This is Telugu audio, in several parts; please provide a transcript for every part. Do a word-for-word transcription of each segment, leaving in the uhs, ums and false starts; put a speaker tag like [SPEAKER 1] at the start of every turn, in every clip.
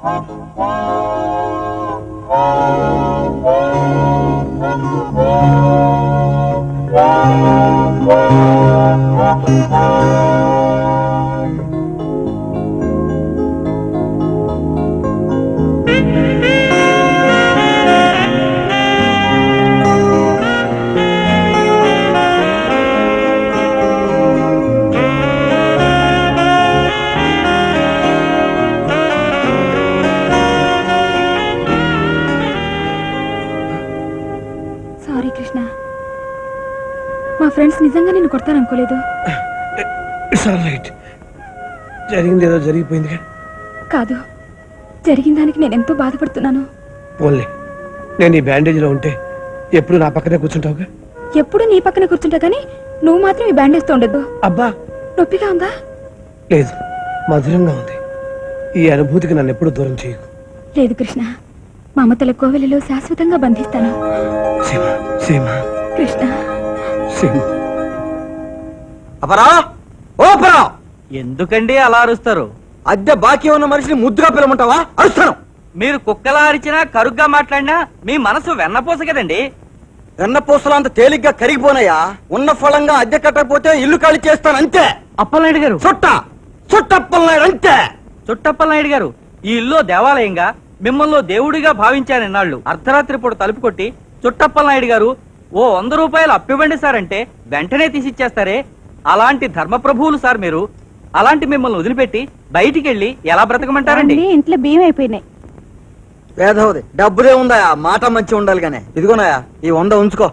[SPEAKER 1] సారీ కృష్ణ, మా ఫ్రెండ్స్ నిజంగా నిన్ను కొడతాననుకోలేదు.
[SPEAKER 2] జరిగింది ఏదో జరిగిపోయింది
[SPEAKER 1] కాదు, జరిగిన దానికి నేనెంతో బాధపడుతున్నాను.
[SPEAKER 2] పోన్లే, నేను ఈ బ్యాండేజ్ లో ఉంటే ఎప్పుడు నా పక్కనే కూర్చుంటావుగా.
[SPEAKER 1] ఎప్పుడు నీ పక్కన కూర్చుంటా కానీ నువ్వు మాత్రం ఈ బ్యాండేజ్ తో ఉండద్దు.
[SPEAKER 2] అబ్బా,
[SPEAKER 1] నొప్పిగా ఉందా?
[SPEAKER 2] లేదు, మధురంగా ఉంది. ఈ అనుభూతికి నన్ను ఎప్పుడు దూరం చేయకు.
[SPEAKER 1] లేదు కృష్ణ, మమతల కోవెలలో శాశ్వతంగా బంధిస్తాను.
[SPEAKER 2] సీమ, సీమ,
[SPEAKER 1] కృష్ణ,
[SPEAKER 2] సీమ.
[SPEAKER 3] అపరా, ఓ అపరా,
[SPEAKER 4] ఎందుకండి అలా అరుస్తారు?
[SPEAKER 3] అద్దె బాకీ ఉన్న మనిషిని ముద్దుగా పిలమంటావా? అరుస్తాను.
[SPEAKER 4] మీరు కుక్కలా అరిచినా కరుగ్గా మాట్లాడినా మీ మనసు వెన్నపోస కదండి.
[SPEAKER 3] వెన్నపూసలు అంత తేలిగ్గా కరిగిపోనాయా? ఉన్న ఫలంగా అద్దె కట్టకపోతే ఇల్లు ఖాళీ చేస్తాను అంతే.
[SPEAKER 4] అప్పలనాయుడు గారు,
[SPEAKER 3] చుట్ట చుట్టప్పలనాయుడు అంతే.
[SPEAKER 4] చుట్టప్పలనాయుడు గారు, ఈ ఇల్లు దేవాలయంగా మిమ్మల్ని దేవుడిగా భావించానన్నాళ్ళు అర్ధరాత్రి పూట తలుపు కొట్టి చుట్టప్పలనాయుడు గారు ఓ వంద రూపాయలు అప్పివ్వండి సార్ అంటే వెంటనే తీసిచ్చేస్తారే, అలాంటి ధర్మప్రభువులు సార్ మీరు. అలాంటి మిమ్మల్ని వదిలిపెట్టి బయటికి వెళ్ళి ఎలా బ్రతకమంటారండి?
[SPEAKER 1] ఇంట్లో బియ్యం అయిపోయినాయి.
[SPEAKER 3] వేదవది డబ్బుదే ఉందా? మాట మంచి ఉండాలి గానే. ఇదిగోనాయా, ఈ వంద ఉంచుకో.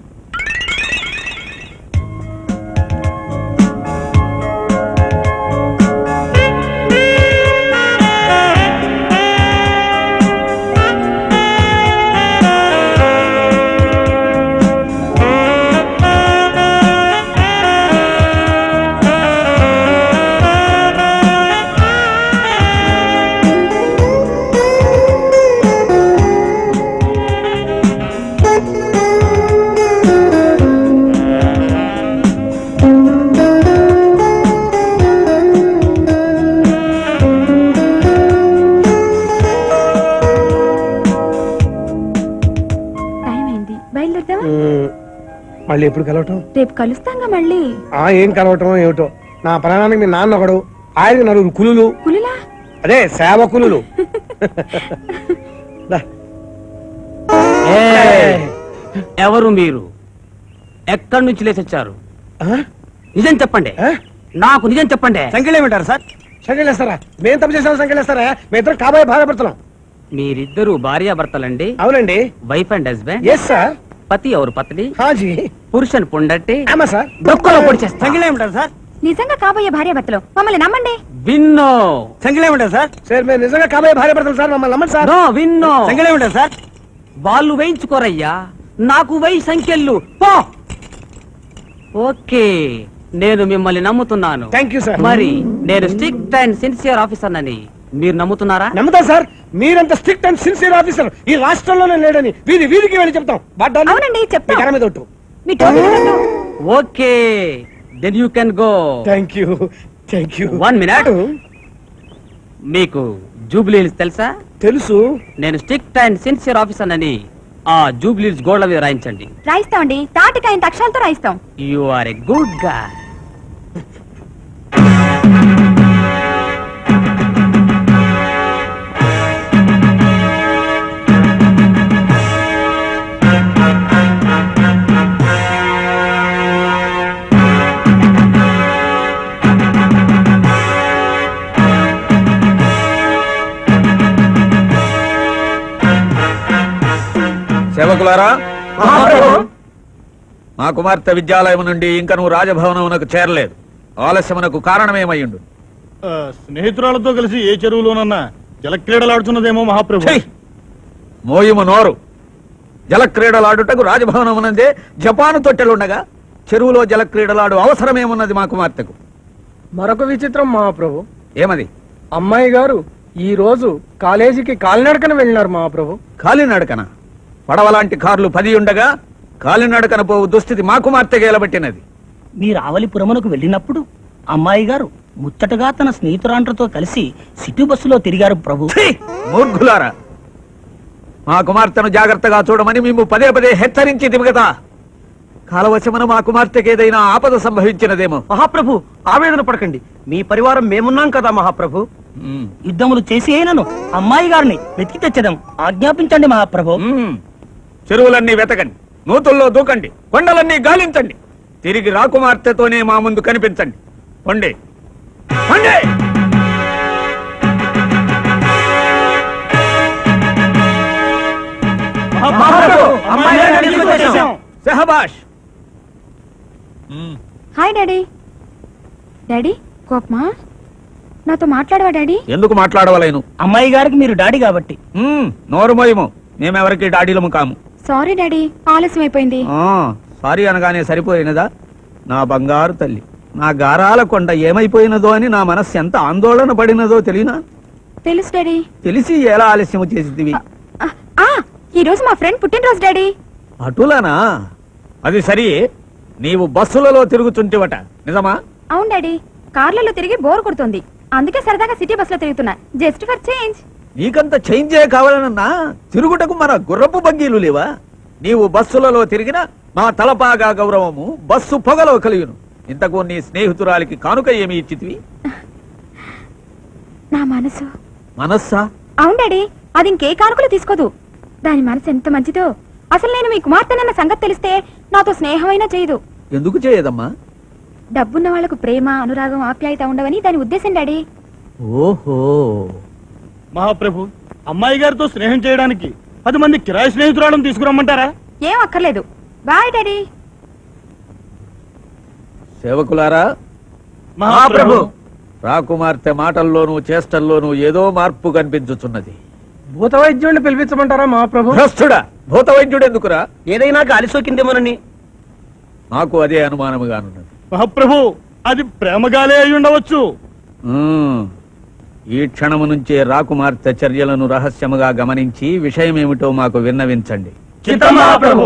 [SPEAKER 2] మళ్ళీ ఎప్పుడు కలవటం?
[SPEAKER 1] రేపు కలుస్తాంగా మళ్ళీ.
[SPEAKER 2] ఆ ఏం కలవటం ఏమిటో. నా ప్రాణానికి మీ నాన్న ఒకడు, ఆయన నలుగురు కులులు.
[SPEAKER 1] కులులా?
[SPEAKER 2] అదే సేవకులు.
[SPEAKER 5] ఎవరు మీరు? ఎక్కడి నుంచి లేచొచ్చారు? నిజం చెప్పండి, నాకు నిజం చెప్పండి.
[SPEAKER 3] సంఖ్యలేమంటారు సార్?
[SPEAKER 2] సంఖ్యలేస్తారా? మేం తప్పు చేసాం, సంఖ్యలేస్తారా? మేము ఇద్దరు కాబోయే భార్యాభర్తలం.
[SPEAKER 5] మీరిద్దరు భార్యాభర్తలండి?
[SPEAKER 2] అవునండి.
[SPEAKER 5] Wife and husband?
[SPEAKER 2] Yes sir.
[SPEAKER 5] పతి ఎవరు పత్ని?
[SPEAKER 2] హాజీ.
[SPEAKER 5] పురుషుని పొండట్టి
[SPEAKER 2] ఆమా సార్.
[SPEAKER 5] డొక్కలో పొడి చేస్తా.
[SPEAKER 3] సంఖ్యలేమంటారు సార్?
[SPEAKER 1] నిజంగా కాబోయే భార్యాభర్తలు, మమ్మల్ని నమ్మండి.
[SPEAKER 5] విన్నో.
[SPEAKER 3] సంఖ్యలేమంటారు సార్?
[SPEAKER 2] సార్ మేము నిజంగా కాబోయే భార్యాభర్తలు సార్, మమ్మల్ని నమ్మండి సార్.
[SPEAKER 5] నో, విన్నో.
[SPEAKER 3] సంఖ్యలేమంటారు సార్?
[SPEAKER 5] వాళ్ళు వేయించుకోరయ్యా, నాకు వై సంఖ్యలు పో. ఓకే, నేను మిమ్మల్ని నమ్ముతున్నాను.
[SPEAKER 2] Thank you sir.
[SPEAKER 5] మరి నేను స్ట్రిక్ట్ అండ్ సిన్సియర్ ఆఫీసర్ అని మీరు నమ్ముతున్నారా?
[SPEAKER 2] నమ్ముతా సార్. మీరంత స్ట్రిక్ట్ అండ్ సిన్సియర్ ఆఫీసర్ ఈ రాష్ట్రంలోనే లేడని వీధి వీధికి వెళ్ళి చెప్తాం.
[SPEAKER 1] అవునండి, చెప్తాం.
[SPEAKER 2] మీ మీద ఒట్టు.
[SPEAKER 1] మీ టోపీ పెట్టు.
[SPEAKER 5] Okay, then you can go.
[SPEAKER 2] Thank you, thank you.
[SPEAKER 5] One minute. మీకు జూబ్లీ హిల్స్ తెలుసా?
[SPEAKER 2] తెలుసు.
[SPEAKER 5] నేను స్ట్రిక్ట్ అండ్ సిన్సియర్ ఆఫీసర్ అని ఆ జూబ్లీ హిల్స్ గోడల మీద రాయించండి.
[SPEAKER 1] రాయిస్తామండి, తాటికాయంత అక్షరాలతో రాయిస్తాం.
[SPEAKER 5] You are a good guy.
[SPEAKER 6] సేవకులారా, మా కుమార్తె విద్యాలయం నుండి ఇంకా నువ్వు రాజభవనమునకు చేరలేదు. ఆలస్యమునకు కారణమేమయ్యుండు?
[SPEAKER 7] స్నేహితురాలతో కలిసి ఏ చెరువులోనన్నా జలక్రీడలాడుతున్నదేమో మహాప్రభు.
[SPEAKER 6] మోయుము నోరు. జలక్రీడలాడుటకు రాజభవనమునందే జపాను తొట్టెలుండగా చెరువులో జలక్రీడలాడు అవసరమేమున్నది మా కుమార్తెకు?
[SPEAKER 8] మరొక విచిత్రం మహాప్రభు.
[SPEAKER 6] ఏమది?
[SPEAKER 8] అమ్మాయి గారు ఈ రోజు కాలేజీకి కాలినడకన వెళ్ళినారు మహాప్రభు.
[SPEAKER 6] కాలినడకన? పడవలాంటి కార్లు పది ఉండగా కాలినడకన పోవు దుస్థితి మా కుమార్తెకి ఎలబట్టినది.
[SPEAKER 9] మీరు ఆవలిపురమునకు వెళ్ళినప్పుడు అమ్మాయి గారు ముచ్చటగా తన స్నేహితురాండ్రతో కలిసి సిటీ బస్సులో తిరిగారు ప్రభు.
[SPEAKER 6] ఛీ! మూర్ఖులారా, మా కుమార్తెను జాగ్రత్తగా చూడమని మేము పదే పదే హెచ్చరించి దిగదా కాలవశమున మా కుమార్తెకి ఏదైనా ఆపద సంభవించినదేమో.
[SPEAKER 3] మహాప్రభు ఆవేదన పడకండి, మీ పరివారం మేమున్నాం కదా మహాప్రభు.
[SPEAKER 6] మ్మ్.
[SPEAKER 9] యుద్ధములు చేసి అయినను అమ్మాయి గారిని వెతికి తెచ్చడం ఆజ్ఞాపించండి మహాప్రభు.
[SPEAKER 6] మ్మ్. చెరువులన్నీ వెతకండి, నూతుల్లో దూకండి, కొండలన్నీ గాలించండి, తిరిగి రాకుమార్తెతోనే మా ముందు కనిపించండి. పొండి పొండి.
[SPEAKER 3] మహాప్రభు, అమ్మాయి గారిని తీసుకొచ్చేశాం.
[SPEAKER 6] సెహబాష్. మ్మ్.
[SPEAKER 1] Hi daddy. డాడీ కోపమా? నాతో మాట్లాడవా డాడీ?
[SPEAKER 6] ఎందుకు మాట్లాడవలేను?
[SPEAKER 9] అమ్మాయి గారికి మీరు డాడీ కాబట్టి.
[SPEAKER 6] మ్మ్. నోరు మోయము, మేమెవరికి డాడీలము కాము.
[SPEAKER 1] సారీ డాడీ, ఆలస్యం అయిపోయింది.
[SPEAKER 6] ఆ, సారీ అనగానే సరిపోయినదా? నా బంగారు తల్లి, నా గారాల కొండ ఏమైపోయినదో అని నా మనస్సు ఎంత ఆందోళన పడినదో తెలియనా?
[SPEAKER 1] తెలుసు డాడీ.
[SPEAKER 6] తెలిసి ఎలా ఆలస్యము చేసిందివి?
[SPEAKER 1] ఆ, ఆ, ఈ రోజు మా ఫ్రెండ్ పుట్టినరోజు డాడీ.
[SPEAKER 6] అటులానా? అది సరి, నీవు బస్సులలో తిరుగుతుంటివట, నిజమా?
[SPEAKER 1] అవును డాడీ, కార్లలో తిరిగి బోర్ కొడుతుంది, అందుకే సరదాగా సిటీ బస్ లో తిరుగుతున్నా, జస్ట్ ఫర్ చేంజ్.
[SPEAKER 6] నీకంత చేంజే కావాలనన్నా తిరుగుటకు మన గుర్రపు బగ్గీలు లేవా? నీవు బస్సులలో తిరిగిన మా తలపాగా గౌరవము బస్సు పొగలో కలియును. ఇంతకు నీ స్నేహితురాలికి కానుక ఏమి ఇచ్చితివి?
[SPEAKER 1] నా మనసు.
[SPEAKER 6] మనస్సా?
[SPEAKER 1] అవును డాడీ, అది ఇంకే కానుకలు తీసుకోదు. దాని మనసు ఎంత మంచిదో. అసలు నేను మీ కుమార్తెనన్న సంగతి తెలిస్తే నాతో స్నేహమైనా చేయదు.
[SPEAKER 6] ఎందుకు చేయదమ్మా?
[SPEAKER 1] డబ్బున్న వాళ్లకు ప్రేమ, అనురాగం, ఆప్యాయత ఉండవని దాని ఉద్దేశం డాడీ.
[SPEAKER 6] ఓహో.
[SPEAKER 7] మహాప్రభు, అమ్మాయి గారితో స్నేహం చేయడానికి పది మంది కిరాయి స్నేహితురాలను తీసుకురమ్మంటారా?
[SPEAKER 1] ఏం అక్కర్లేదు. Bye daddy.
[SPEAKER 6] సేవకులారా,
[SPEAKER 7] మహాప్రభు,
[SPEAKER 6] రాకుమార్తె మాటల్లోనూ చేష్టల్లోనూ ఏదో మార్పు కనిపించుచున్నది.
[SPEAKER 8] భూత వైద్యుడిని పిలిపించమంటారా మహాప్రభు?
[SPEAKER 6] భ్రష్టుడా, భూత వైద్యుడు ఎందుకురా?
[SPEAKER 3] ఏదైనా గాలి సోకిందేమోనని.
[SPEAKER 6] నాకు అదే అనుమానముగానున్నది.
[SPEAKER 7] మహాప్రభు, అది ప్రేమగాలే అయి ఉండవచ్చు.
[SPEAKER 6] ఉమ్, ఈ క్షణము నుంచే రాకుమార్తె చర్యలను రహస్యముగా గమనించి విషయమేమిటో మాకు విన్నవించండి.
[SPEAKER 7] చిత్తం మహాప్రభు.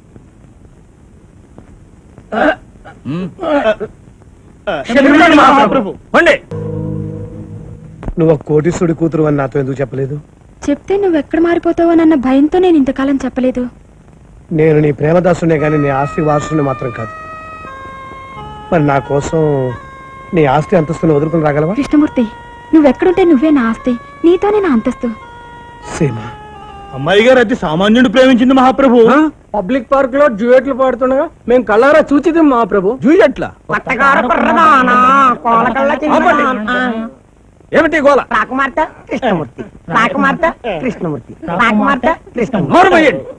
[SPEAKER 6] ఉమ్,
[SPEAKER 7] క్షమించండి మహాప్రభు.
[SPEAKER 6] పొండి.
[SPEAKER 2] నువ్వు ఒక కోటీశ్వరుడి కూతురు అని నాతో ఎందుకు చెప్పలేదు?
[SPEAKER 1] చెప్తే నువ్వెక్కడ మారిపోతావోనన్న భయంతో నేను ఇంతకాలం చెప్పలేదు.
[SPEAKER 2] నేను నీ ప్రేమదాసునే గాని నీ ఆస్తి వారసుని మాత్రం కాదు. మరి నా కోసం నీ ఆస్తి అంతస్తుని వదులుకుని రాగలవా?
[SPEAKER 1] కృష్ణమూర్తి, నువ్వెక్కడుంటే నువ్వే నా ఆస్తి, నీతోనే నా అంతస్తు.
[SPEAKER 2] సీమ,
[SPEAKER 7] అమ్మాయి గారు అతి సామాన్యుడు ప్రేమించింది మహాప్రభు.
[SPEAKER 8] పబ్లిక్ పార్క్ లో డ్యూయట్లు పాడుతుండగా మేము కళ్ళారా చూచిది మహాప్రభు.
[SPEAKER 6] జూయట్లా? ఏమిటి గోల?
[SPEAKER 9] రాకుమార్తె కృష్ణమూర్తి, రాకుమార్తె కృష్ణమూర్తి, రాకుమార్తె కృష్ణమూర్తి.
[SPEAKER 6] నోరు మూయండి.